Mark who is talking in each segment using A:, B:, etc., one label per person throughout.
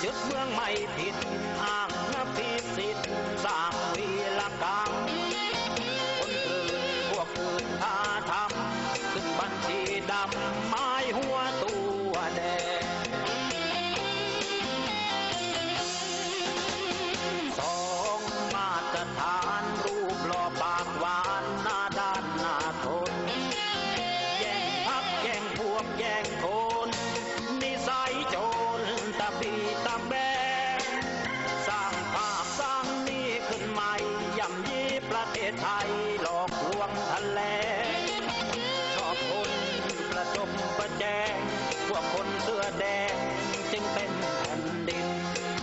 A: ยึดเมืองไม่ผิดอ้างพิสิทธิ์สร้างวีรกรรมคนอื่นพวกอื่นท่าทำขึ้นบัญชีดำไม้หัวตัวแดงสองมาตรฐานรูปหล่อปากหวานหน้าด้านหน้าทนแย่งพักแย่งพวกแย่งคนนิสัยโจรตะบีตะแบงสร้างภาพสร้างนี้ขึ้นใหม่ย่ำยีประเทศไทยหลอกลวงทะเลชอบคนประจบประแจงพวกคนเสื้อแดงจึงเป็นแผ่นดิน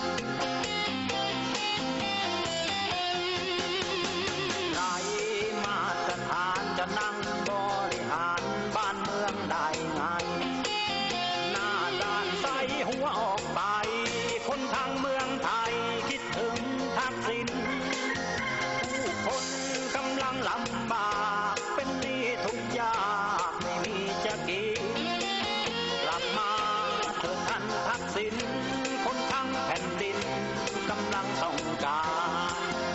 A: ไรมาตรฐานจะนั่งบริหารบ้านเมืองได้ไงหน้าด้านใสหัวออกไปคนทางเมืองไทยคิดถึงทักษิณผู้คนกำลังลำบากเป็นหนี้ทุกข์ยากไม่มีจะกินกลับมาเถิดท่านทักษิณคนทั้งแผ่นดินกำลังต้องการ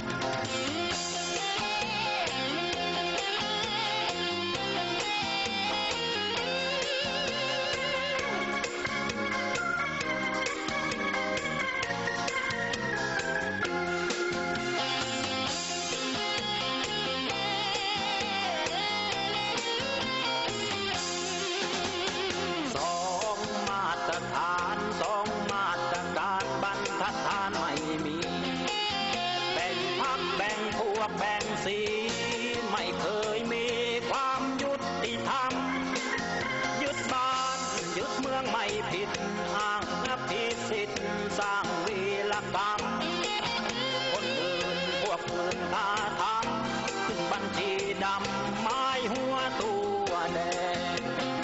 A: แบ่งสีไม่เคยมีความยุติธรรมยึดบ้านยึดเมืองไม่ผิดอ้างพิสิทธิ์สร้างวีรกรรมคนอื่นพวกอื่นท่าทำขึ้นบัญชีดำไม้หัวตัวแดง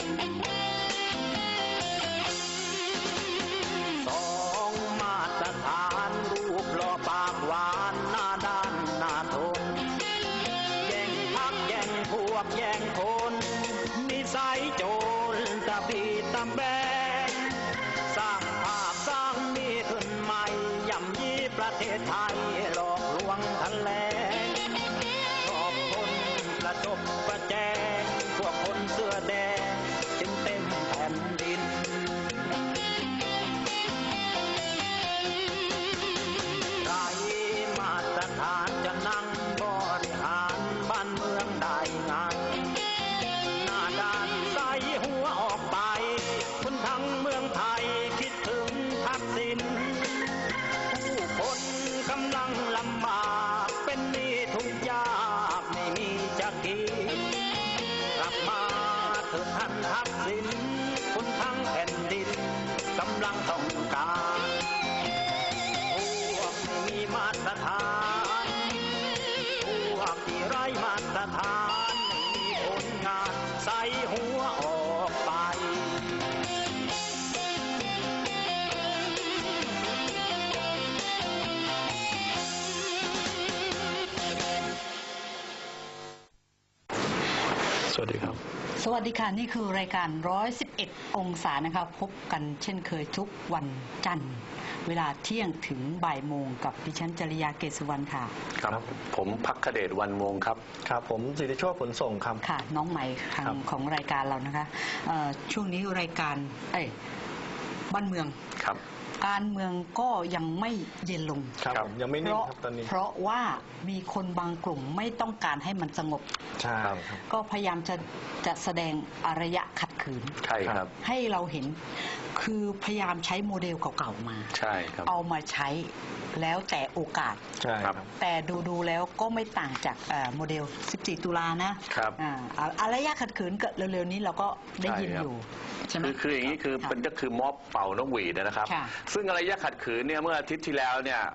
A: สองมาตรฐานรูปหล่อปากหวานหน้าด้านหน้าทนแย่งพักแย่งพวกแย่งคนนิสัยโจรตะบีตะแบงสร้างภาพสร้างนี้ขึ้นใหม่ย่ำยีประเทศไทยหลอกลวงทะเลชอบคนประจบประแจงพวกคนเสื้อแดงจึงเต็มแผ่นดินไรมาตรฐานจะนั่งบริหารบ้านเมืองได้ไงหน้าด้านใสหัวออกไปคนทั้งเมืองไทยคิดถึงทักษิณผู้คนกำลังลำบากเป็นหนี้ทุกข์ยากไม่มีจะกินกลับมาเถิดท่านทักษิณคนทั้งแผ่นดินกำลังต้องการพวกไม่มีมาตรฐานพวกที่ไร้มาตรฐานไม่มีผลงานใส่หัวออกไป
B: สวัสดีครับ
C: สวัสดีค่ะนี่คือรายการ111องศานะคะพบกันเช่นเคยทุกวันจันทร์เวลาเที่ยงถึงบ่ายโมงกับดิฉันจริยาเกษสุวรรณค่ะ
B: ครับผมภักเดชวันวงครับ
D: ครับผมสิทธิโชคผลส่งครับ
C: ค่ะน้องใหม่ของรายการเรานะคะช่วงนี้รายการบ้านเมือง
B: ครับ
C: การเมืองก็ยังไม่เย็นลง
D: ครับยังไม่นิ่งครับตอนนี้
C: เพราะว่ามีคนบางกลุ่มไม่ต้องการให้มันสงบ
D: ใช่ครับ
C: ก็พยายามจะแสดงอารยะขัดขืน
B: ใช่ครับ
C: ให้เราเห็นคือพยายามใช้โมเดลเก่าๆมา
B: ใช่ครับ
C: เอามาใช้แล้วแต่โอกาส
D: ใช่ครับ
C: แต่ดูแล้วก็ไม่ต่างจากโมเดล14ตุลานะครับอารยะขัดขืนเร็วๆนี้เราก็ได้ยินอยู่ใช่ไหม
B: คืออย่างนี้คือมันก็คือม็อบเป่านกหวีดนะครับซึ่งอารยะขัดขืนเนี่ยเมื่ออาทิตย์ที่แล้วเนี่ย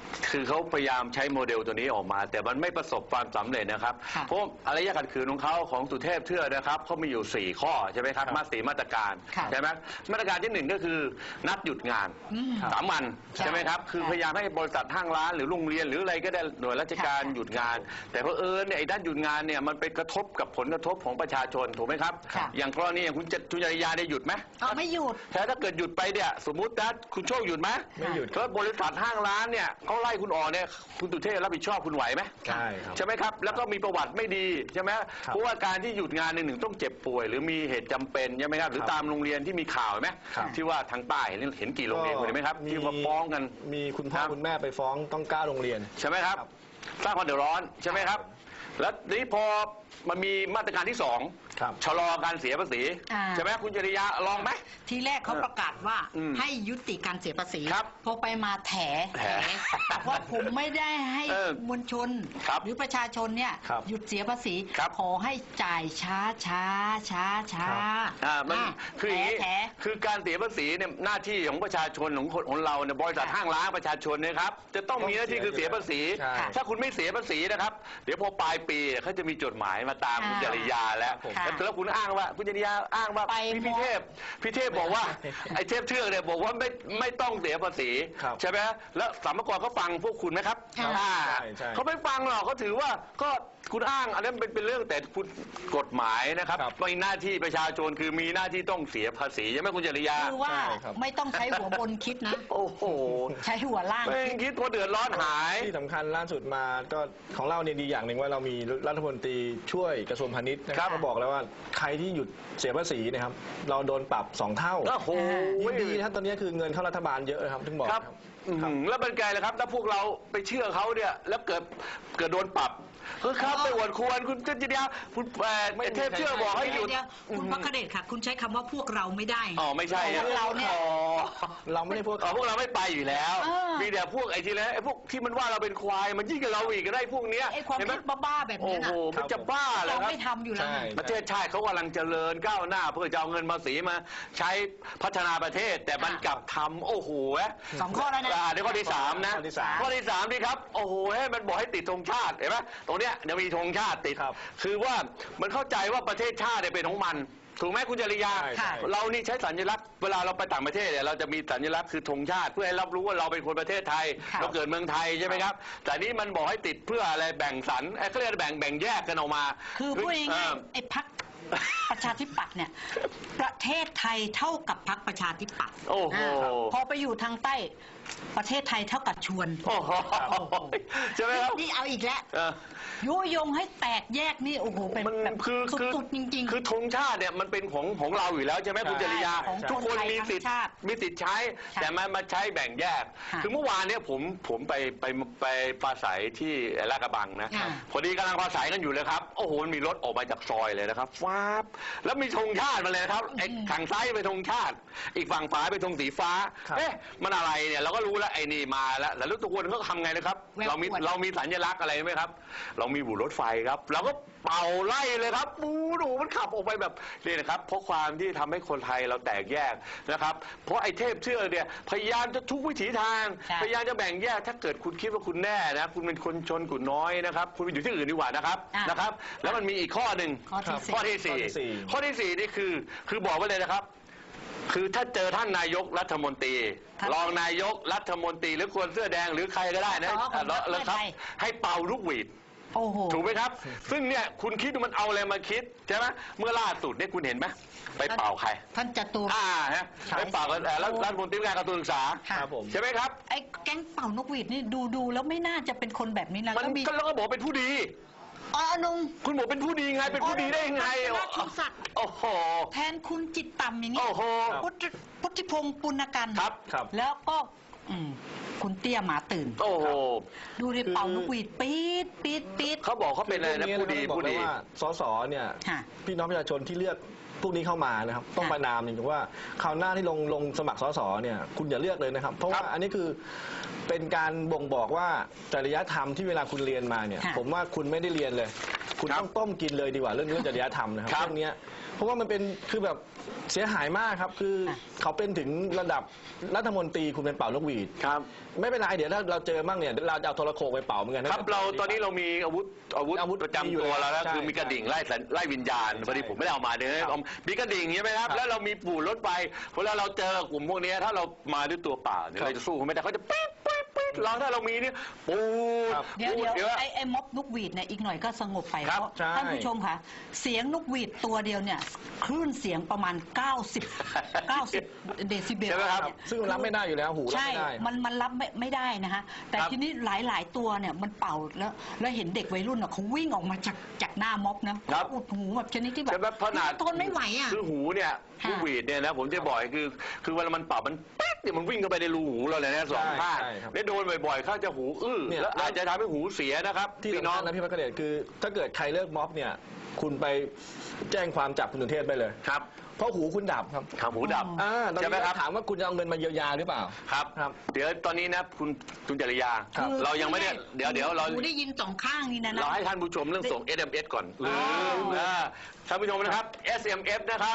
B: คือเขาพยายามใช้โมเดลตัวนี้ออกมา แต่มันไม่ประสบความสำเร็จนะครับ
C: ค่ะ
B: เพราะอารยะขัดขืนของเขาของสุเทพเทือกนะครับเขามีอยู่ 4 ข้อใช่ไหมครับมาตรการ
C: ค่ะ
B: ใช่ไหมมาตรการที่ 1 ก็คือนัดหยุดงาน
C: อืม
B: 3 วัน
C: ใช่
B: ใช่ไหมครับคือ
C: ใช่
B: พยายามให้บริษัทห้างร้านหรือโรงเรียนหรืออะไรก็ได้หน่วยราชการ
C: ค่ะ
B: หยุดงาน แต่เพอเนี่ยไอ้ด้านหยุดงานเนี่ยมันไปกระทบกับผลกระทบของประชาชนถูกไหมครับ
C: ค่ะ
B: อย่างกรณีอย่างคุณจริยาได้หยุดไหม
C: เอาไม่หยุด
B: แต่ถ้าเกิดหยุดไปเนี่ยสมมุตินะคุณโชคหยุดไหม
D: ไม่หยุด
B: ถ้าบริษัทห้างร้านเนี่ยเขาไล่คุณออกเนี่ยคุณสุเทพรับผิดชอบคุณไหวไหม
D: ใช่ครับ
B: ใช่ไหมครับแล้วก็มีประวัติไม่ดีใช่ไหม
D: ครับ
B: เพราะว่าการที่หยุดงานในหนึ่งต้องเจ็บป่วย หรือมีเหตุจำเป็นใช่ไหมครับหรือ
D: ครับ
B: ตามโรงเรียนที่มีข่าวไหม
D: ครับ
B: ที่ว่าทางใต้เห็นกี่โรงเรียนคุณเห็นไหมครับที่มาฟ้องกัน
D: มีคุณพ่อ
B: ครับ
D: คุณแม่ไปฟ้องต้อง9โรงเรียน
B: ใช่ไหมครับ
D: ครับ
B: สร้างความเดือดร้อนใช่ไหมครับ แล้วนี้พอมันมีมาตรการที่
D: ครับ
B: 2ชะลอการเสียภาษี
C: อ่า
B: ใช่ไหมคุณจริยาลองไหม
C: ทีแรกเขาประกาศว่า
B: อืม
C: ให้ยุติการเสียภาษี
B: ครับ
C: พอไปมาแถ บอกว่าผมไม่ได้ให้
B: เออ
C: มวลชน
B: ครับ
C: หรือประชาชนเนี่ย
D: ครับ
C: หยุดเสียภาษี
B: ครับ
C: ขอให้จ่ายช้าช้าช้าช้า
B: มันคืออย่างนี้
C: แถ
B: คือการเสียภาษีเนี่ยหน้าที่ของประชาชนของเราเนี่ยบริษัทห้างร้านประชาชนเนะครับจะต้องมีหน้าที่คือเสียภาษี
D: ใช่
B: ถ้าคุณไม่เสียภาษีนะครับ เดี๋ยวพอปลายปีเขาจะมีจดหมายมาตามคุณจริยาแล้ว
C: ค่ะ
B: แล้วคุณอ้างว่าคุณจริยาอ้างว่า
C: ไป
B: พี่เทพบอกว่าไอ้เทพเทือกเนี่ยบอกว่าไม่ต้องเสียภาษี
D: ครับ
B: ใช่ไหมแล้วสรรพากรเขาฟังพวกคุณไหมครับ
C: ครับ
B: อ่า
D: ใช่
B: เขาไม่ฟังหรอกเขาถือว่าก็คุณอ้างอันนั้นเป็นเรื่องแต่คุณกฎหมายนะครับ
D: ครับ
B: ไม่หน้าที่ประชาชนคือมีหน้าที่ต้องเสียภาษีใช่ไหมคุณจริยา
C: คือว่า
D: ใช่ครับ
C: ไม่ต้องใช้หัวบนคิดนะ
B: โอ้โห
C: ใช้หัวล่าง
B: ไม่
C: คิด
B: คิดว่าเดือดร้อนหาย
D: ที่สำคัญล่าสุดมาก็ของเราเนี่ยดีอย่างหนึ่งว่าเรามีรัฐมนตรีช่วยกระทรวงพาณิชย์นะค
B: ครั
D: รับบ เขาบอกแล้วว่าใครที่หยุดเสียภาษีนะครับ เราโดนปรับ2 เท่า
B: โอ้โห
D: ยิ่งดีนะครับตอนนี้คือเงินเข้ารัฐบาลเยอะนะครับถึงบอก
B: ครับ
D: ครับ
B: แล้วเป็นไงล่ะครับถ้าพวกเราไปเชื่อเขาเนี่ยแล้วเกิดโดนปรับคือครับไปอวดควรคุณจริยาคุณเทพเชื่อบอกให้หยุด
C: เดี๋ยวคุณพักเดชค่ะ คุณใช้คำว่าพวกเราไม่ได้
B: อ๋อไม่ใช่
C: พวกเราเนี่ย
B: อ๋อ
D: เราไม่ได้พวก
B: พวกเราไม่ไปอยู่แล้ว
C: เออ
B: มีแต่พวกไอ้ที่แล้วไอ้พวกที่มันว่าเราเป็นควายมันยิ่งกับเราอีกก็ได้พวกเนี้ย
C: ไอ้ความ
B: เห็นไหม
C: คิดบ้าๆแบบ
B: โอ้
C: นี้
B: โห
C: นะ
B: มันจะบ้าเหร
C: เรา
B: อครับ
C: ไม่ทำอยู่แล้ว
D: ใช่
C: นะ
B: ประเทศชาติเขากำลังเจริญก้าวหน้า เพื่อจะเอาเงินภาษีมาใช้พัฒนาประเทศ แต่มันกลับทำโอ้โห
C: 2 ข้อแล้วนะ
B: เดี๋ยวข้อที่ 3 นะ
D: ข้อที่สาม
B: ข้อที่3นี่ครับโอ้โหให้มันบอกให้ติดธงชาติเห็นไหมตรงเนี้ยเดี๋ยวมีธงชาติติด
D: ครับ
B: คือว่ามันเข้าใจว่าประเทศชาติเนี่ยเป็นของมัน ถูกไหมคุณจริยา
D: ใช่
C: ค่ะ
B: เรานี่ใช้สัญลักษณ์เวลาเราไปต่างประเทศเนี่ยเราจะมีสัญลักษณ์คือธงชาติเพื่อให้รับรู้ว่าเราเป็นคนประเทศไทย
C: ค่ะ
B: เราเกิดเมืองไทยใช่ไหมครับ แต่นี่มันบอกให้ติดเพื่ออะไรแบ่งสรรเขาเรียกแบ่งแยกกันออกมา
C: คือพูดง่ายๆไอ้พักประชาธิปัตย์เนี่ย ประเทศไทยเท่ากับพักประชาธิปัตย์
B: โอ้โห
C: พอไปอยู่ทางใต้ประเทศไทยเท่ากับชวน
B: โอ้โหใช่ไหมครับ
C: นี่เอาอีกแล้ว
B: เออ
C: ยุยงให้แตกแยกนี่โอ้โหเป็น
B: มัน
C: แบบ
B: คือ
C: สุดๆจริงๆ
B: คือธงชาติเนี่ยมันเป็นของเราอยู่แล้วใช่ไหมคุณจริยา
C: ของ
B: ทุกคน
C: คนไทย
B: มีสิทธิ์
C: ทั้งชาติ
B: มีสิทธิ์ใช้
C: ค่ะ
B: แต่มันมาใช้แบ่งแยก
C: ค่ะ
B: คือเมื่อวานเนี่ยผมไปปราศัยที่ลาดกระบังนะ
C: ค่ะ
B: พอดีกำลังปราศัยกันอยู่เลยครับโอ้โหมันมีรถออกมาจากซอยเลยนะครับฟ้าบแล้วมีธงชาติมาเลยนะครับไอ้ฝั่งซ้ายเป็นธงชาติ อีกฝั่งขวาเป็นธงสีฟ้า
D: ครับ
B: เอ๊ะมันอะไรเนี่ยเราก็รู้แล้วไอ้นี่มาแล้วแล้วทุกคนเขาทำไงนะครับ
C: แวว
B: เรามี
C: ขวด
B: เรามีสัญลักษณ์อะไรไหมครับ เรามีบุหรถไฟครับเราก็เป่าไล่เลยครับปูดูมันขับออกไปแบบนี่นะครับเพราะความที่ทำให้คนไทยเราแตกแยกนะครับ เพราะไอ้เทพเชื่อกเนี่ยพยายามจะทุกวิถีทาง
C: ใช่
B: พยายามจะแบ่งแยกถ้าเกิดคุณคิดว่าคุณแน่นะคุณเป็นคนชนกลุ่มน้อยนะครับคุณไปอยู่ที่อื่นดีกว่านะครับ
C: อ่ะ
B: นะครับ แล้วมันมีอีกข้อหนึ่ง
C: ข้อที่สี่
B: ข้อที่สี่
D: ข้อที่สี่
B: ข้อที่สี่นี่คือบอกไว้เลยนะครับ คือถ้าเจอท่านนายกรัฐมนตรี
C: ครับ
B: รองนายกรัฐมนตรีหรือคนเสื้อแดงหรือใครก็ได้นะ
C: อ๋อของพรรคเพื่
B: แล้ว
C: อ
B: ครับ
C: ไทย
B: ให้เป่าลูกหวีด
C: โอ้โห
B: ถูกไหมครับ ซึ่งเนี่ยคุณคิดว่ามันเอาอะไรมาคิดใช่ไหมเมื่อล่าสุดเนี่ยคุณเห็นไหมไปเป่าใคร
C: ท่านจตุร
B: ฮะไปเป่ากันแล้วรัฐมนตรีว่าการกระทรวงศึกษา
C: ค่ะ
D: ครับผม
B: ใช่ไหมครับ
C: ไอ้แก๊งเป่านกหวีดนี่ดูแล้วไม่น่าจะเป็นคนแบบนี้นะ
B: มัน
C: ก็มี
B: ก็แล้วก็บอกเป็นผู้ดี
C: อ๋อนุง
B: คุณบอกเป็นผู้ดีไงเป็นผู้ดีได้ยังไง
C: ราชสัตว์
B: โอ้โห
C: แทนคุณจิตต่ำอย่างนี้
B: โอ้โห
C: พุทธิพงศ์ปุณกัน
B: ครับ
D: ครับ
C: แล้วก็คุณเตี้ยหมาตื่น
B: โอ้โห
C: ดูดิเป่านกหวีดปี๊ดปี๊ดปี๊ด
B: เขาบอกเขาเป็นอะไรนะผู้ดี
D: บอก
B: ผู้
D: เลย
B: ดี
D: ว่าสสเนี่ย
C: ค่ะ
D: พี่น้องประชาชนที่เลือกพวกนี้เข้ามานะครับ ต้อง
C: ค่ะ
D: ประนามจริงๆว่าคราวหน้าที่ลงสมัครสสเนี่ยคุณอย่าเลือกเลยนะครับ เพราะว่าอันนี้คือเป็นการบ่งบอกว่าจริยธรรมที่เวลาคุณเรียนมาเนี่ย
C: ค่ะ
D: ผมว่าคุณไม่ได้เรียนเลย คุณ
B: ครับ
D: ต้องต้มกินเลยดีกว่าเรื่องจริยธรรมนะครับ
B: ครับ
D: เรื่องเนี้ยเพราะว่ามันเป็นคือแบบเสียหายมากครับคือเขาเป็นถึงระดับรัฐมนตรีคุณเป็นเป่านกหวีด
B: ครับ
D: ไม่เป็นไรเดี๋ยวถ้าเราเจอมั่งเนี่ยเราจะเอาโทรโขงไปเป่าเหมือนกัน
B: ครับเราตอนนี้เรามีอาวุธประจำตัวแล้วนะ
D: ใช่
B: คือมีกระดิ่งไล่วิญญาณ
D: ใช่
B: พอดีผมไม่ได้เอามาเดี๋ยว
D: ครับ
B: มีกระดิ่งใช่ไหมครับ
D: ครับ
B: แล้วเรามีปู่รถไฟเวลาเราเจอกลุ่มพวกนี้ถ้าเรามาด้วยตัวเปล่าเนี่ย
D: ครับ
B: เราจะสู้เขาไม่ได้เขาจะปี๊ดปี๊ดปี๊ดเราถ้าเรามีเนี่ยปูด
D: ครับ
C: เดี๋ยว
B: ปู
C: เดี๋ยว
B: อะ
C: ไอ้ม็อบนกหวีดเนี่ยอีกหน่อยก็สงบไป
B: ครั
C: เพ
B: บ
C: ราะ
D: ใช่
C: ท่านผู้ชมค่ะเสียงนกหวีดตัวเดียวเนี่ยคลื่นเสียงประมาณ 90 เดซิเบล
B: ใช่ไหมครับ
C: เนี่ย
D: ซึ่งรับไม่ได้อยู่แล้วหูรับ
C: ใช่
D: ไม่ได้
C: มันรับไม่ได้นะฮะแต่
B: ครับ
C: ทีนี้หลายตัวเนี่ยมันเป่าแล้วเห็นเด็กวัยรุ่นอ่ะเขาวิ่งออกมาจากหน้าม็อบนะครับ อุดหูแบบชนิดที่แบบ
B: ใช่ไหมขนาด
C: ทนไม่ไหวอ่ะ
B: คือหูเนี่ย
C: ค่ะ
B: ลูกหวีดเนี่ยนะผมจะบอกคือเวลามันเป่ามันป๊ดเนี่ยมันวิ่งเข้าไปในรูหูเราเลยนะสองข้าง
D: ใช่ครับ
B: แล้วโดนบ่อยๆเข้าจะหูอื้อ
D: เนี่ย
B: แล้วอาจจะทำให้หูเสียนะครับ
D: ที่
B: พี่
D: สำ
B: น้อ
D: คั
B: ง
D: ญนะพี่พักเดชคือถ้าเกิดใครเลิกม็อบเนี่ยคุณไปแจ้งความจับคุณสุเทพไปเลย
B: ครับ
D: เพราะหูคุณดับครับ
B: ขาหูดับ
D: ตอน
B: ใช่ไหม
D: นี้
B: ครับ
D: ถามว่าคุณจะเอาเงินมาเยียวยาหรือเปล่า
B: ครับ
D: ครับ
B: เดี๋ยวตอนนี้นะคุณจริยา
D: ครับ
B: เรายังไม่ได้เดี๋ยวเรา
C: หูได้ยินสองข้างนี่นะ
B: เราให้ท่านผู้ชมเรื่องส่ง SMS ก่อนลืมท่านผู้ชมนะครับ SMS นะครับ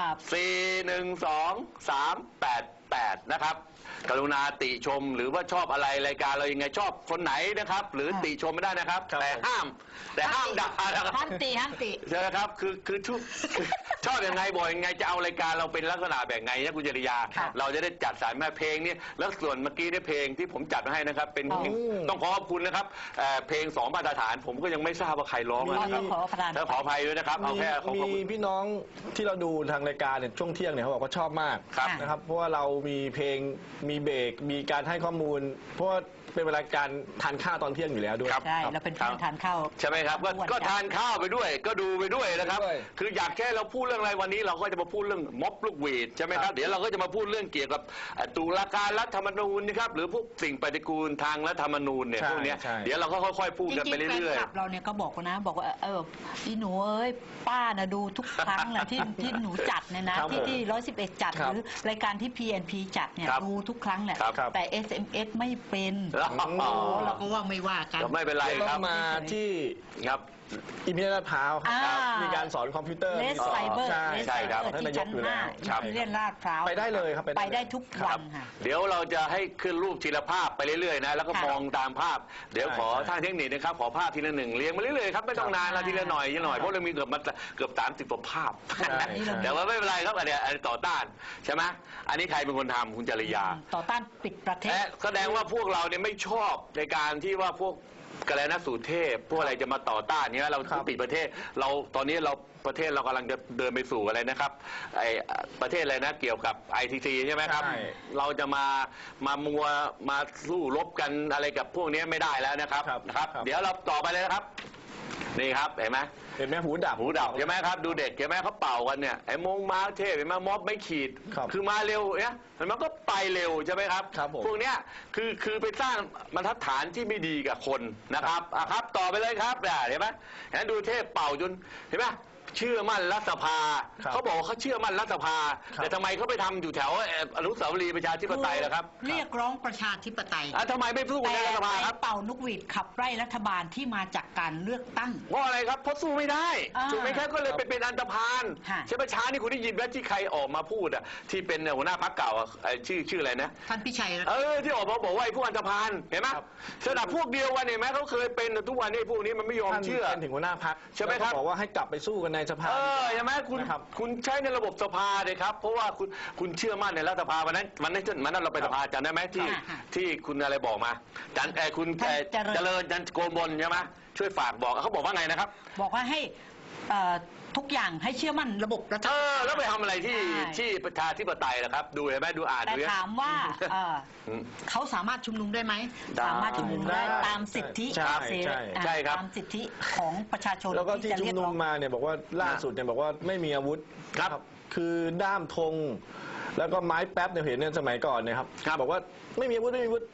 B: 412-388 นะครับกรุณาติชมหรือว่าชอบอะไรรายการเรายังไงชอบคนไหนนะครับ หรือติชมไม่ได้นะครับ
D: ครับ
B: แต่ห้ามด่านะครับ
C: ห้ามตี
B: ใช่ไหมครับคือชอบยังไงบอกยังไงจะเอารายการเราเป็นลักษณะแบบไงนะคุณจริยา
C: ครับ
B: เราจะได้จัดสรรมาเพลงนี้แล้วส่วนเมื่อกี้เนี่ยเพลงที่ผมจัดมาให้นะครับ เป็นเพลงต้องขอขอบคุณนะครับเพลง2 มาตรฐาน ผมก็ยังไม่ทราบว่าใครร้องนะครับ
C: ขอประทาน
B: แล้วขออภัยด้วยนะครับเอาแค่ขอขอบ
D: มี
B: คุณ
D: พี่น้องที่เราดูทางรายการเนี่ยช่วงเที่ยงเนี่ยเขาบอกว่าชอบมาก
B: ครับ
D: นะครับเพราะว่าเรามีเพลงมีเบรกมีการให้ข้อมูล เพราะว่าเป็นเวลาการทานข้าวตอนเที่ยงอยู่แล้วด้วย
B: ครับ
C: ใช่เราเป็นเพื่อนทานข้าว
B: ใช่ไหมครับก็ทานข้าวไปด้วย ก็ดูไปด้วยนะครับ
D: ด้วย
B: คืออยากแค่เราพูดเรื่องอะไรวันนี้เราก็จะมาพูดเรื่องม็อบลูกหวีดใช่ไหมค
D: ครั
B: รับบ เดี๋ยวเราก็จะมาพูดเรื่องเกี่ยวกับตุลาการรัฐธรรมนูญนะครับหรือพวกสิ่งปฏิกูลทางรัฐธรรมนูญเนี่ย
D: ใช่
B: พวกเนี้ย
D: ใช่
B: เดี๋ยวเราก็ค่อยๆพูด
C: จ
B: กัน
C: ริ
B: ไป
C: งๆแฟน
B: เรื่อย
C: คลับเราเนี่ยก็บอกนะบอกว่าอีหนูเอ้ยป้านะดูทุกครั้งนะที่หนูจัดเนี่ยนะครับ ที่
D: ผม
C: ที่111จัด
D: ครั
C: ห
D: บ
C: รือรายการที่ PNP จัดเนี่ย
B: ครับ
C: ดูทุกครั้งแหละ
B: ครับ
C: แต่ SMS ไม่เป็น
B: ๆ
C: โอ้เราก็ว่าไม่ว่ากัน
B: ก็ไม่เป็นไร
D: ต้อ
B: ครับ
D: งมาที่
B: ครับ
D: อิมพีเรียลลาดพร้าวครับ
C: อ่า
D: มีการสอนคอมพิวเตอร์
C: เลส
D: มีสอน
C: ไซเบอร์
D: ใช่
C: เลส
B: ใช่
C: ไซ
B: ครับ
C: เบอร์
D: ท่าน
C: ที่
D: นายก
C: ชั้น
D: อยู่แล้ว
C: 5
B: ครับ
C: ที่เรียนลาดพร้าว
D: ไปได้เลยครับ
C: ไปได้ทุกวันค่ะ
B: เดี๋ยวเราจะให้ขึ้นรูปทีละภาพไปเรื่อยๆนะแล้วก็
C: ค่ะ
B: มองตามภาพ เดี๋ยว
D: ใช่
B: ขอ
D: ใช่
B: ทางเทคนิคนะครับขอภาพทีละหนึ่งเรียงมาเรื่อยๆครับไม่ต้องนานละทีละหน่อยทีละหน่อย
C: ค่ะ
B: เพราะเรามีเกือบ30กว่าภาพ
D: ใช่ใช่
B: แต่ว่าไม่เป็นไรครับอันเนี้ยต่อต้านใช่ไหมอันนี้ใครเป็นคนทำคุณจริยา
C: ต่อต้านปิดประเทศ
B: แสดงว่าพวกเราเนี่ยไม่ชอบในการที่ว่าพวกกระไรนะสู่เทพพวกอะไรจะมาต่อต้านเนี่ยเรา
D: ครับ
B: ปิดประเทศเราตอนนี้เราประเทศเรากำลังจะเดินไปสู่อะไรนะครับไอประเทศอะไรนะเกี่ยวกับ ITC ใช่ไหมครับ
D: ใช่
B: เราจะมาสู้รบกันอะไรกับพวกนี้ไม่ได้แล้วนะครับ
D: ครับ
B: นะครับ
D: ครับ
B: เดี๋ยวเราต่อไปเลยนะครับนี่ครับเห็นไหม
D: เห็นไหมหูดับ
B: หูดับใช่ไหมครับดูเด็กใช่ไหมเขาเป่ากันเนี่ยไอ้มงมาเทพเห็นไหมม็อบไม่ขีด
D: ครับ
B: คือมาเร็วเนี่ยมันก็ไปเร็วใช่ไหมครับ
D: ครับผม
B: พวกเนี้ยคือไปสร้างบรรทัดฐานที่ไม่ดีกับคนนะครับอ่ะครับต่อไปเลยครับเห็นไหมเห็นไหมดูเทพเป่าจนเห็นไหมเชื่อมั่นรัฐสภา
D: ครับ
B: เขาบอกว่าเขาเชื่อมั่นรัฐสภา
D: ครับ
B: แต่ทำไมเขาไปทำอยู่แถวอนุสาวรีย์ประชาธิปไตยล่ะครับ
C: เรียกร้องประชาธิปไตย
B: อ่ะทำไมไม่สู้
C: แต่
B: ในรัฐสภา
C: ไป
B: ครับ
C: เป่านกหวีดขับไล่รัฐบาลที่มาจากการเลือกตั้ง
B: เพราะอะไรครับเพราะสู้ไม่ได้
C: อ่า
B: ถูกไหมครับก็เลยไปเป็นอันธพาล
C: ค่ะ
B: ใช่ไหมช้านี่คุณได้ยินไหมที่ใครออกมาพูดอ่ะที่เป็นหัวหน้าพรรคเก่าอ่ะชื่ออะไรนะ
C: ท่านพิชัย
B: ที่ออกมาบอกว่าไอ้พวกอันธพาลเห็นไหม
D: ครับ
B: สนับพวกเดียวกันเห็นไหมเขาเคยเป็นทุกวันนี้พวกนี้มันไม่ยอม
D: ท่าน
B: เชื่อ
D: เป็นถึงหัวหน้าพัก
B: ใช่ไหมครับ
D: บอกว่าให้กลับไปสู้กันในสภา
B: ใช่ไหมคุณ
D: นะครับ
B: คุณใช้ในระบบสภาเลยครับ เพราะว่าคุณเชื่อมั่นในรัฐสภาวันนั้นเราไปสภาจำได้ไหมที่
C: ค่ะ
B: ที่คุณอะไรบอกมาคุณ
C: ท่านเจริญ
B: จันโกมลใช่ไหมช่วยฝากบอกเขาบอกว่าไงนะครับ
C: บอกว่าให้ทุกอย่างให้เชื่อมั่นระบบรัฐสภา
B: แล้วไปทำอะไรที่
C: ใช่
B: ที่ประชาธิปไตยล่ะครับ ดูเห็นไหมดูอ่าน
C: แต่
B: ดูเนี่ย
C: ถามว่า
B: อืม
C: เขาสามารถชุมนุมได้ไหม
B: ได้
C: สามารถชุมนุมได้
D: ได้
C: ตามสิทธิ
D: ใช่
C: เสรี
D: ใช่
B: ใช่ครับ
C: ตามสิทธิของประชาชน
D: แล้วก็ที่
C: จะ
D: ชุม
C: เรียก
D: นุ
C: ร้
D: ม
C: อง
D: มาเนี่ยบอกว่าล่าสุดเนี่ยบอกว่าไม่มีอาวุธ
B: ครับ
D: คือด้ามธงแล้วก็ไม้แป๊บเนี่ยเห็นเนี่ยสมัยก่อนเนี่ยครับ
B: ครับ
D: บอกว่าไม่มีอาวุธไม่มีอาวุธ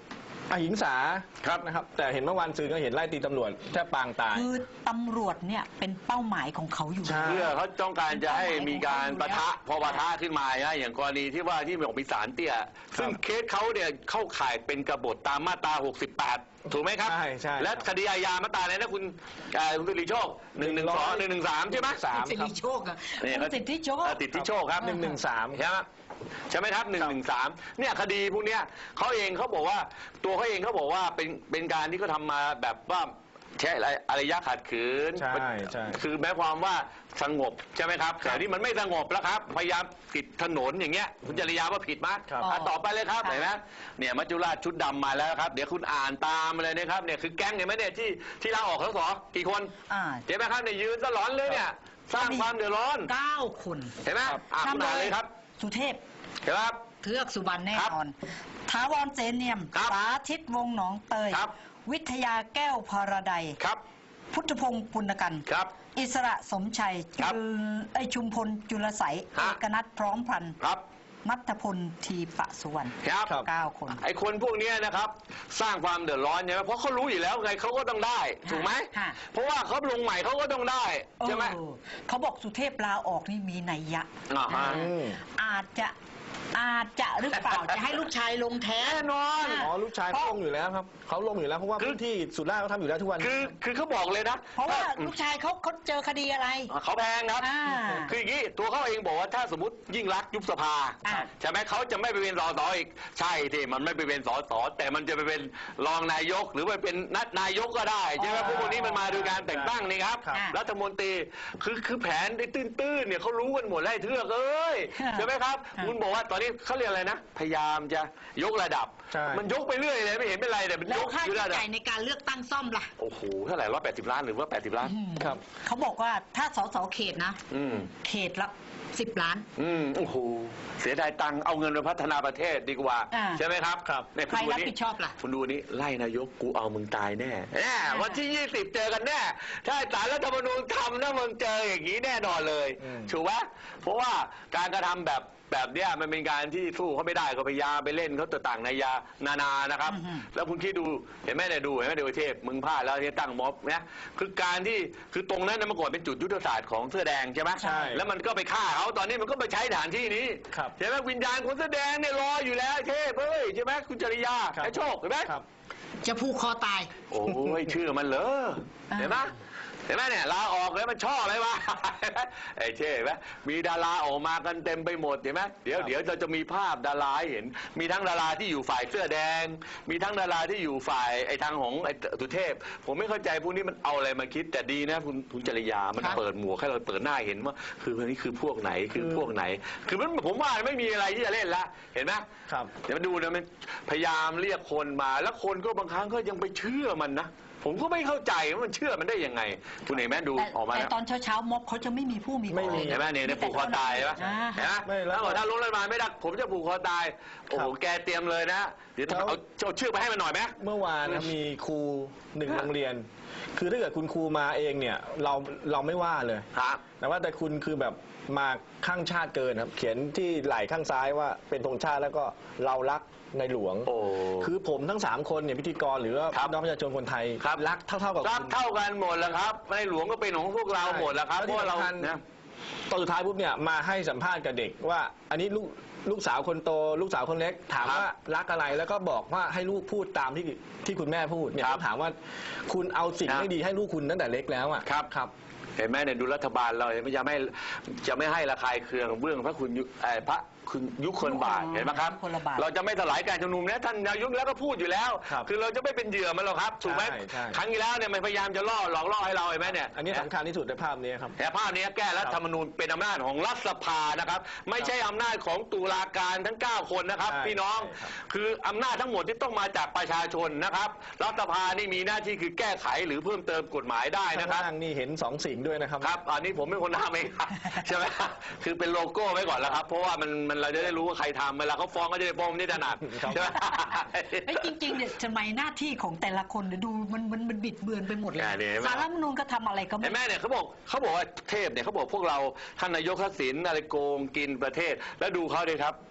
D: อหิงสา
B: ครับ
D: นะครับ แต่เห็นเมื่อวานซืนก็เห็นไล่ตีตำรวจแทบปางตาย
C: คือตำรวจเนี่ยเป็นเป้าหมายของเขาอยู่
D: ใช่
B: เพื่อเขาต้องการจะให้มีการปะทะพอปะทะขึ้นมานะอย่างกรณีที่ว่าที่บอกมีสารเตี้ยซึ่งเคสเขาเนี่ยเข้าข่ายเป็นกบฏตามมาตรา 68 ถูกไหมครับ
D: ใช่ใช่
B: และคดีอาญามาตราอะไรนะคุณสิริโชค112 113ใช่ไหม
D: 113
C: สิริโชคอะ
B: เนี่ย
C: คุณสิทธิโชค
B: ติดที่โชคครับ
D: 113
B: ใช่ไหมใช่ไหมครับ113เนี่ยคดีพวกเนี้ยเขาเองเขาบอกว่าตัวเขาเองเขาบอกว่าเป็นการที่เขาทำมาแบบว่าใช้อารยะขัดขืน
D: ใช่ใช่
B: คือแม้ความว่าสงบใช่ไหมครับแต่นี่มันไม่สงบแล้วครับพยายามปิดถนนอย่างเงี้ยคุณจริยาว่าผิดมั้ย
D: ครับ
B: ต่อไปเลยครับ
C: ค่ะ
B: เห็นไหมเนี่ยมัจจุราชชุดดำมาแล้วครับเดี๋ยวคุณอ่านตามมาเลยนะครับเนี่ยคือแก๊งเห็นไหมเนี่ยที่ลาออกสสกี่คน
C: อ่า
B: เห็นไหมครับเนี่ยยืนตลอดเลยเนี่ยสร้างความเดือดร้อน
C: 9 คน
B: เห็นไหมคุณอ่านเลยครับ
C: สุเทพ
B: เห็นไหมครับ
C: เทือกสุบรรณแน่
B: ครับ
C: นอนถาวรเสนเนียม
B: ครับ
C: สาธิตวงศ์หนองเตย
B: ครับ
C: วิทยาแก้วพรดัย
B: ครับ
C: พุทธพงศ์ปุณกัน
B: ครับ
C: อิสระสมชัย
B: ครับ
C: ชุมพลจุลใส
B: ฮะ
C: เอกนัทพร้อมพันธ์
B: ครับ
C: นัทพลทีปะสุวรรณ
B: ครับ
D: ครับ
C: 9 คน
B: ไอ้คนพวกเนี้ยนะครับสร้างความเดือดร้อนใช่ไหมเพราะเขารู้อยู่แล้วไงเขาก็ต้องได้ถูกไหม
C: ค่ะ
B: เพราะว่าเขาลงใหม่เขาก็ต้องได้ใช่ไหม
C: เขาบอกสุเทพลาออกนี่มีนัยยะ
B: อ่าฮะ
C: อาจจะหรือเปล่า จะให้ลูกชายลงแทน
B: แน่นอน
D: อ๋อลูกชายเขาลงอยู่แล้วครับเขาลงอยู่แล้วเพราะว่าพื้นที่สุราษฎร์เขาทำอยู่แล้วทุกวัน
B: คือเขาบอกเลยนะ
C: เพราะว่าลูกชายเขาเจอคดีอะไร
B: เขาแพงครับ
C: อ่า
B: คืออย่างนี้ตัวเขาเองบอกว่าถ้าสมมติยิ่งรักษณ์ยุบสภา
C: อ่า
B: ใช่ไหมเขาจะไม่ไปเป็นสสอีกใช่ที่มันไม่ไปเป็นสสแต่มันจะไปเป็นรองนายกหรือไปเป็นนายกก็ได้ใช่ไหมพวกนี้มันมาโดยการแต่งตั้งนี่ครับ
C: ครับ
B: รัฐมนตรีคือแผนได้ตื้นๆเนี่ยเขารู้กันหมดแล้วไอ้เทือกเอ้ย
C: ครับ
B: ใช่ไหมครับ
C: ครับ
B: คุณบอกว่าตอนนี้เขาเรียกอะไรนะพยายามจะยกระดับ
D: ใช่
B: มันยกไปเรื่อยเลยไม่เห็นเป็นไรแต่มัน
C: แล้
B: ยว ก
C: ค่า
B: อยู่
C: ใช้
B: ระดับ
C: จ่ายในการเลือกตั้งซ่อมล่ะ
B: โอ้โหเท่าไหร่180 ล้านหรือว่า80 ล้าน
D: ครับ
C: เขาบอกว่าถ้าสสเขตนะ
B: อืม
C: เขตละ 10 ล้าน
B: โอ้โหเสียดายตังค์เอาเงินไปพัฒนาประเทศดีกว่า
C: อ่า
B: ใช่ไหมครับ
D: ครับ
B: เนี่ย
C: ใครรับผิดชอบล่ะ
B: คุณดูนี้ไล่นายกกูเอามึงตายแน่วันที่ 20 เจอกันแน่ถ้าศาลรัฐธรรมนูญทำนะมึงเจออย่างนี้แน่นอนเลย
D: อืม
B: ถูกไหมเพราะว่าการกระทำแบบเนี้ยมันเป็นการที่สู้เขาไม่ได้ก็พยายามไปเล่นเขาต่างนายานานะครับ
C: อือฮึ
B: แล้วคุณคิดดูเห็นไหมเนี่ยดูเห็นไหมเดวเทพมึงพลาดแล้วที่ตั้งม็อบเนี่ยคือการที่คือตรงนั้นนะเมื่อก่อนเป็นจุดยุทธศาสตร์ของเสื้อแดงใช่ไหม
D: ใช่
B: แล้วมันก็ไปฆ่าเขาตอนนี้มันก็ไปใช้สถานที่นี้
D: ครับ
B: ใช่ไหมวิญญาณคนเสื้อแดงเนี่ยรออยู่แล้วไอ้เทพเฮ้ยใช่ไหมคุณจริยา
D: ครับ
B: ไอ้โชคเห็นไหม
D: ครับ
C: จะผูกคอตาย
B: โอ้ยชื่อมันเหรอ
C: อ่า
B: เห็นไหมเห็นไหมเนี่ยลาออกเลยมันชอบอะไรวะ ไอ้เท่เห็นไหมมีดาราออกมากันเต็มไปหมดเห็นไหมเดี๋ยวเราจะมีภาพดาราให้เห็น มีทั้งดาราที่อยู่ฝ่ายเสื้อแดง มีทั้งดาราที่อยู่ฝ่ายไอ้ทางของไอ้สุเทพ ผมไม่เข้าใจพวกนี้มันเอาอะไรมาคิดแต่ดีนะคุณจริยามัน
C: ครับ
B: เปิดหมวกให้เราเปิดหน้าเห็นว่าคือวันนี้คือพวกไหนคือพวกไหน คือมันผมว่าไม่มีอะไรที่จะเล่นละเห็นไหม
D: ครับ
B: เดี๋ยวมาดูนะมันพยายามเรียกคนมาแล้วคนก็บางครั้งก็ยังไปเชื่อมันนะผมก็ไม่เข้าใจว่ามันเชื่อมันได้ยังไง คุณเห็นไหมดู
C: แต่
B: ออกมา
C: แต่
B: แล้ว
C: ตอนเช้าม็อบเขาจะไม่มีผู้มี
D: ไม่มี
B: เห็นไหมเนี่ยผูกคอตายใช่ไหม
C: อ่า
B: เห็นไหม
D: ไม่แล้ว
B: ถ้าบอกถ้าลงเลยมาไม่ได้ผมจะผูกคอตายโอ้โห
D: ครับ
B: แกเตรียมเลยนะเดี๋ยวเอาชื่อไปให้มันหน่อยไหม
D: เมื่อวานนะมีครูหนึ่งโรงเรียน คือถ้าเกิดคุณครูมาเองเนี่ยเราไม่ว่าเลย
B: ครับ
D: แต่ว่าแต่คุณคือแบบมาข้างชาติเกินครับ เขียนที่ไหล่ข้างซ้ายว่าเป็นธงชาติแล้วก็เรารักในหลวง
B: โอ้
D: คือผมทั้ง 3 คนเนี่ยพิธีกรหรือว่า
B: ครับ
D: พี่น้องประชาชนคนไทย
B: ครับ
D: รักเท่าๆกับ
B: รัก
D: คุณ
B: เท่ากันหมดแล้วครับในหลวงก็เป็นของพวกเราหมดแล้วครับ
D: แล้ว
B: เพ
D: ที่
B: ราะว่าเรา
D: สำคัญ
B: นะ
D: ตอนสุดท้ายปุ๊บเนี่ยมาให้สัมภาษณ์กับเด็กว่า อันนี้ลูกสาวคนโต ลูกสาวคนเล็ก ถามว่ารักอะไรแล้วก็บอกว่าให้ลูกพูดตามที่คุณแม่พูดเนี่ย
B: ครับ
D: เขาถามว่าคุณเอาสิ่ง
B: ครับ
D: ไม่ดีให้ลูกคุณตั้งแต่เล็กแล้วอ่ะ
B: ครับ
D: ครับ
B: เห็นไหมเนี่ยดูรัฐบาลเราเนี่ยจะไม่ให้ระคายเคืองเบื้องพระคุณพระคุณยุคนบาทเห็นไหมครับ
C: ยุคลบาท
B: เราจะไม่สลายการชุมนุมนะท่านนายกแล้วก็พูดอยู่แล้ว
D: ครับ
B: อเราจะไม่เป็นเหยื่อมันหรอกครับถูกไหม
D: ใช่
B: ครั้งที่แล้วเนี่ยมันพยายามจะหลอกล่อให้เราเห็นไหมเนี่ย
D: อันนี้สำคัญที่สุดในภาพนี้ครับ
B: แต่ภาพนี้แก้รัฐธรรมนูญเป็นอำนาจของรัฐสภานะครับ ไม่ใช่อำนาจของตุลาการทั้ง 9 คนนะครับ
D: ใช่
B: พี่น้อง
D: ใช่ครับ
B: คืออำนาจทั้งหมดที่ต้องมาจากประชาชนนะครับรัฐสภานี่มีหน้าที่คือแก้ไขหรือเพิ่มเติมกฎหมายได้
D: ข้าง
B: นะครับ
D: ล่างนี่เห็น2 สิ่งด้วยนะครับ
B: ครับ อันนี้ผมเป็นคนทำเองครับ ใช่ไหมคือเป็นโลโก้ไว้ก่อนแล้วครับ เพราะว่ามันเราจะได้รู้ว่าใครทำเวลาเขาฟ้องก็จะได้ฟ้องไม่ได้ถนัด
D: ครับ
B: ใช่ไหม
C: เอ้ยจริงๆเนี่ยทำไมหน้าที่ของแต่ละคนเนี่ยดูมันบิดเบือนไปหมดเลย
B: อ่าเนี่ยเห็นไหม
C: สารรัฐธรรมนูญก็ทำอะไรก็ไม่
B: เห็นไหมเนี่ยเขาบอกว่าเทพเนี่ยเขาบอกพวกเราท่านนายกทักษิณอะไรโกงกินประเทศ แล้วดูเขาดิครับ เห็นไหม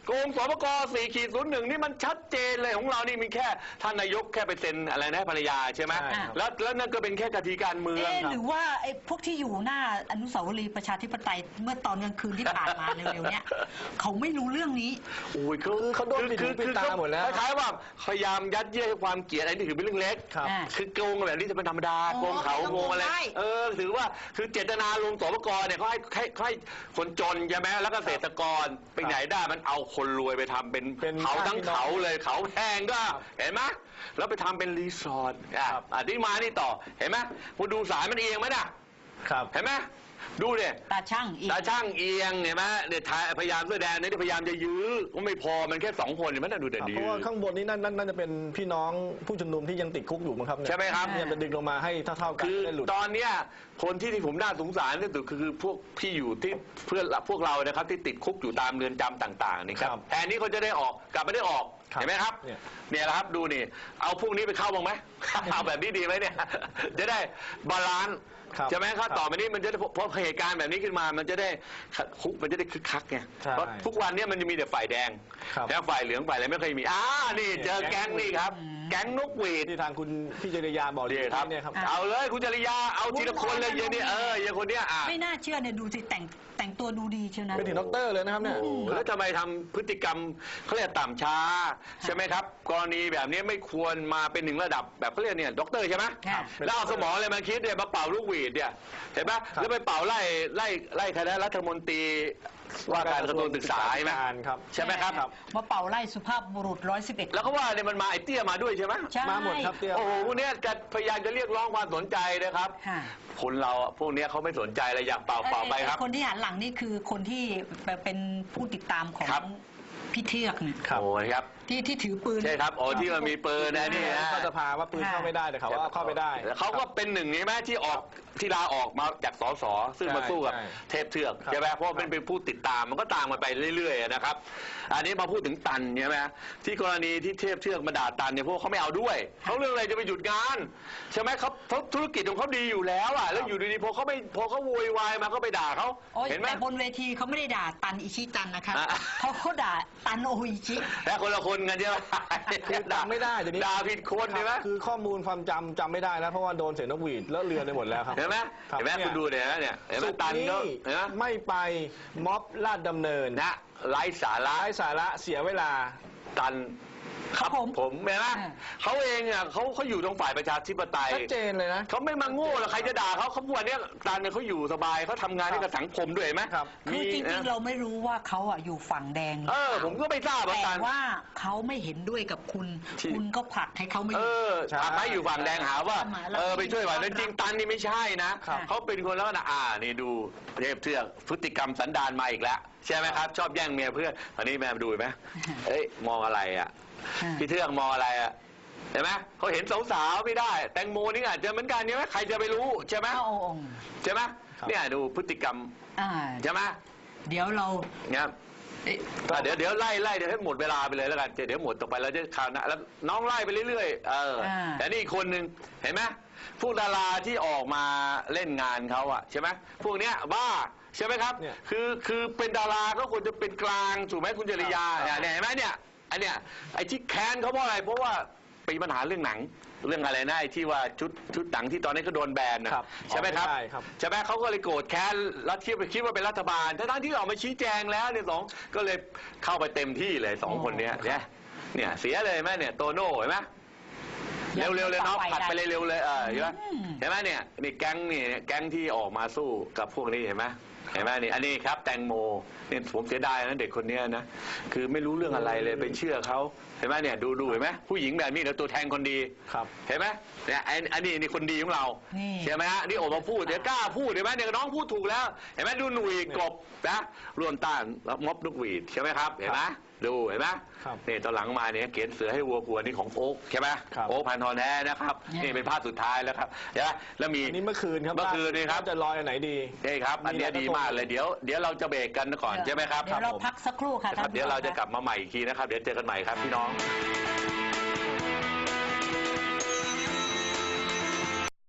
B: โกงสปก4-01นี่มันชัดเจนเลยของเรานี่มีแค่ท่านนายกแค่ไปเซ็นอะไรนะภรรยาใช่ไหม
D: ใช่ครับ
B: แล้วนั่นก็เป็นแค่กติการเมือง
C: หรือว่าไอ้พวกที่อยู่หน้าอนุสาวรีย์ประชาธิปไตยเมื่อตอนกลางคืนที่ผ่านมาเร็วๆเนี้ยเขาไม่รู้เรื่องนี้
B: โอ้ย
D: เขาโดนปิดหูปิดตาหมดแล้ว
B: คล้ายๆว่าพยายามยัดเยียดให้ความเกลียดอันนี้ถือเป็นเรื่องเล็ก
D: ครับ
B: คือโกงแบบนี้จะเป็นธรรมดา
C: อ๋อ
B: โกงเขาโกงอะไร
C: ใช่
B: ถือว่าคือเจตนาลงสปกเนี่ยเขาให้คนจนใช่ไหมแล้วก็เกษตรกรไปไหนได้มันเอาคนรวยไปทำเป็น
D: เป็น
B: เขาทั้ง
D: พี่น้อง
B: เขาเลยเขาแพงก็
D: ครับ
B: เห็นไหมแล้วไปทำเป็นรีสอร์ท
D: ครับ
B: ที่มานี่ต่อเห็นไหมคุณดูสายมันเอียงไหมน่ะ
D: ครับ
B: เห็นไหมดูเนี่ย
C: ตาช่างอีก
B: ตาช่างเอียงเห็นไหมเนี่ยพยายามเสื้อแดงเนี่ยพยายามจะยื้อก็ไม่พอมันแค่2 คนเห็นไหมน่ะดูเด่นดี
D: เพราะว่าข้างบนนี้น่าจะเป็นพี่น้องผู้ชุมนุมที่ยังติดคุกอยู่มั้งครับเนี่ย
B: ใช่ไหมครับ
D: เนี่ยจะดึงลงมาให้เท่าๆกัน
B: คือ
D: ได้หลุด
B: ตอนเนี้ยคนที่ผมน่าสงสารที่สุดคือพวกที่อยู่ที่เพื่อนพวกเรานะครับที่ติดคุกอยู่ตามเรือนจำต่างๆนี่ครับ
D: ครับ
B: แทนนี้เขาจะได้ออกกลับไม่ได้ออก
D: ครับ
B: เห็นไหมครับ
D: เนี่ย
B: เนี่ยแหละครับดูนี่เอาพวกนี้ไปเข้าบ้างไหม เอาแบบนี้ดีไหมเนี่ย จะได้บาลานซ์
D: ครับ
B: ใช่ไหมครับ
D: ครับ
B: ต่อไปนี้มันจะได้เพราะเหตุการณ์แบบนี้ขึ้นมามันจะได้คุกมันจะได้คึกคักไง
D: ใช่
B: เพราะทุกวันเนี้มันจะมีแต่ฝ่ายแดง
D: ครับ
B: แล้วฝ่ายเหลืองฝ่ายอะไรไม่เคยมีนี่เจอแก๊งนี่ครับ แก๊งนกหวีด
D: ที่ทางคุณพี่จริยาบอก
B: นี่ครับ
D: เนี่ยครับ
B: เอาเลยคุณจริยาเอาทีละคนเลยเยเนี่ยอย่างคนเนี้ย
C: ไม่น่าเชื่อเนี่ยดูสิแต่งตัวดูดีเชียวนะ
D: เป็นถึงด็อกเตอร์เลยนะครับเนี่ย
B: โอ้แล้วทำไมทำพฤติกรรมเขาเรียกต่ำช้าใช่ไหมครับ กรณีแบบนี้ไม่ควรมาเป็นถึงระดับแบบเขาเรียกเนี่ยด็อกเตอร์ใช่ไหม
C: ค่ะ
B: แล้วเอาสมองอะไรมาคิดเนี่ยมาเป่าลูกหวีดเนี่ยเห็นไหมแล้วไปเป่าไล่คณะรัฐมนตรีว่าการกระทรวงศึกษาใช่ไหม
D: ครับ
B: ใช่ไหมครับ
C: มาเป่าไล่สุภาพบุรุษ111
B: แล้วก็ว่าเนี่ยมันมาไอ้เตี้ยมาด้วยใช่ไหม
C: ใช่
D: มาหมดครับเตี้ย
B: โอ้โหพวกเนี้ยจะพยายามจะเรียกร้องความสนใจนะครับ
C: ค่ะ
B: คนเราอะพวกเนี้ยเขาไม่สนใจเลยอยากเป่าไปครับ
C: คนที่หันหลังนี่คือคนที่เป็นผู้ติดตามของ
B: ครับ
C: พี่เทือกเนี่ย
D: ครับ
B: โอ้ยครับ
C: ที่ถือปืน
B: ใช่ครับโอ้ที่มันมีปืนนะนี่นะ
D: เข้าสภาว่าปืนเข้าไม่ได้แต่เขาว่าเข้าไปได้
B: เขาก็เป็นหนึ่งใช่ไหมที่ลาออกมาจากสสซึ่งมาสู้กับ
D: ใช่
B: เทพเทือก
D: ครับ
B: ใช่ไหมเพราะว่าเป็นผู้ติดตามมันก็ตามกันไปเรื่อยๆนะครับ อันนี้มาพูดถึงตันใช่ไหมที่กรณีที่เทพเทือกมาด่าตันเนี่ยพวกเขาไม่เอาด้วยเขาเรื่องอะไรจะไปหยุดงานใช่ไหมเขาธุรกิจของเขาดีอยู่แล้วอ่ะแล้วอยู่ดีๆพอเขาโวยวายมาก็ไปด่าเขา
C: โอ้ย
B: เห็นไหม
C: แต่บนเวทีเขาไม่ได้ด่าตันอิชิตันนะครับ
B: อ่ะ
C: เขาด่าตันโออิชิ
B: และคนละคนกันใช่ไหม
D: คือด่าไม่ได้เดี๋ยวนี้
B: ด่าผิดคนใช่ไหม
D: คือข้อมูลความจำไม่ได้แล้วเพราะว่าโดนเสียงนกหวีดแล้วเรือนไปหมดแล้วครับ
B: เห็นไหม
D: ครับ
B: เห็นไหม
D: เนี่ย
B: คุณดูเนี่ยเนี่ยเห็นไหม
D: สุด
B: ตัน
D: นี้
B: ก็เห็นไหม
D: ไม่ไปม็อบลาดดำเนิน
B: นะไร้สาระ
D: ไร้สาระเสียเวลา
B: ตัน
C: ครับผม
B: ผมเห็นไหม
C: อ่า
B: เขาเองอ่ะเขาอยู่ตรงฝ่ายประชาธิปไตย
D: ชัดเจนเลยนะ
B: เขาไม่มาโง่หรอกใครจะด่าเขาวันนี้ตันเนี่ยเขาอยู่สบายเขาทำงานให้กับสังคมด้วยเห็นไหม
D: ครับ
C: คือจริงๆเราไม่รู้ว่าเขาอ่ะอยู่ฝั่งแดง
B: ผมก็ไม่ทราบเหมือน
C: แต่
B: กัน
C: ว่าเขาไม่เห็นด้วยกับคุณ
B: ที่
C: คุณก็ผลักให้เขาไม่อยู่
D: ใช่
B: ทำให้อยู่ฝั่งแดงหาว่า
C: แล้ว
B: ไปช่วยฝ่ายนั้นจริงตันนี่ไม่ใช่นะ
C: ครับ
B: เขาเป็นคนแล้วนะนี่ดูเทพเทือกพฤติกรรมสันดานมาอีกแล้วใช่ไหมครับ ชอบแย่งเมียเพื่อนตอนนี้แม่มาดูเห็นไหมเอ้ยมองอะไรอ่ะ พี่เทือกมองอะไรอ่ะเห็นไหมเขาเห็นสาวๆไม่ได้ แตงโมนี่อาจจะเหมือนกันใช่ไหมใครจะไปรู้ใช่ไหม
C: เอาองค์
B: ใช่ไหม
D: ครับ
B: เนี่ยดูพฤติกรรม
C: อ่า
B: ใช่ไหม
C: เดี๋ยวเรา
B: เนี่ย
C: เอ๊ะ
B: เดี๋ยวไล่เดี๋ยวให้หมดเวลาไปเลยแล้วกันเดี๋ยวหมดต่อไปเราจะข่าวหนะแล้วน้องไล่ไปเรื่อยๆแต่นี่อีกคนหนึ่งเห็นไหมพวกดาราที่ออกมาเล่นงานเขาอะใช่ไหมพวกเนี้ยบ้าใช่ไหมครับ
D: เนี่ย
B: คือเป็นดาราก็ควรจะเป็นกลางถูกไหมคุณจริยา
D: ครับ
B: เนี่ยเห็นไหมเนี่ยอันเนี้ยไอ้ที่แค้นเขาเพราะอะไรเพราะว่ามีปัญหาเรื่องหนังเรื่องอะไรนะไอ้ที่ว่าชุดหนังที่ตอนนี้ก็โดนแบนนะครับ ใช่ไหมครับ
D: ออกไม่ได้ครับ
B: ใช่ไหมเขาก็เลยโกรธแค้นแล้วคิดว่าเป็นรัฐบาลทั้งที่ออกมาชี้แจงแล้วเนี่ยก็เลยเข้าไปเต็มที่เลยสองคนเนี้ยเนี่ยเสียเลยไหมเนี่ยโตโน่เห็นไหมเร็วเลยเนาะผัดไปเร็วเลยเห็นไหมเห็นไหมเนี่ยนี่แก๊งที่ออกมาสู้กับพวกนี้เห็นไหมเห็นไหมนี่อันนี้ครับแตงโมเนี่ยผมเสียดายนะเด็กคนเนี้ยนะคือไม่รู้เรื่องอะไรเลยไปเชื่อเขาเห็นไหมเนี่ยดูเห็นไหมผู้หญิงแบบนี้เดี๋ยวตัวแทนคนดี
D: ครับ
B: เห็นไหมเนี่ยอันนี้คนดีของเรา
C: นี่
B: ใช่ไหมฮะนี่ออกมาพูดเดี๋ยวกล้าพูดเห็นไหมเนี่ยน้องพูดถูกแล้วเห็นไหมดูหนุ่ยกบนะร่วมต้านม็อบลูกหวีดใช่ไหมครับเห็นไหมดูเห็นไหม
D: ครับ
B: นี่ตอนหลังมาเนี่ยเขียนเสือให้วัวกลัวนี่ของโอ๊กใช่ไหม
D: ครับ
B: โอ๊กพันธรแท้นะครับ
C: เนี่ย
B: นี่เป็นภาพสุดท้ายแล้วครับใช่ไหมแล้วมี
D: อันนี้เมื่อคืนครับ
B: เมื่อคืนนี่ครับ
D: ว่าจะลอยอันไหนดี
B: นี่ครับอันเนี้ยดีมากเลยเดี๋ยวเราจะเบรกกันก่อนใช่ไหมครับ
C: เดี๋ยวเราพักสักครู่ค่ะ
B: ครับ
C: ท่านผู้ชม
B: เดี๋ยวเราจะ
C: ค่
B: กลับมาใหม่อีกทีนะครับเดี๋ยวเจอกันใหม่ครับพี่น้อง
C: ะ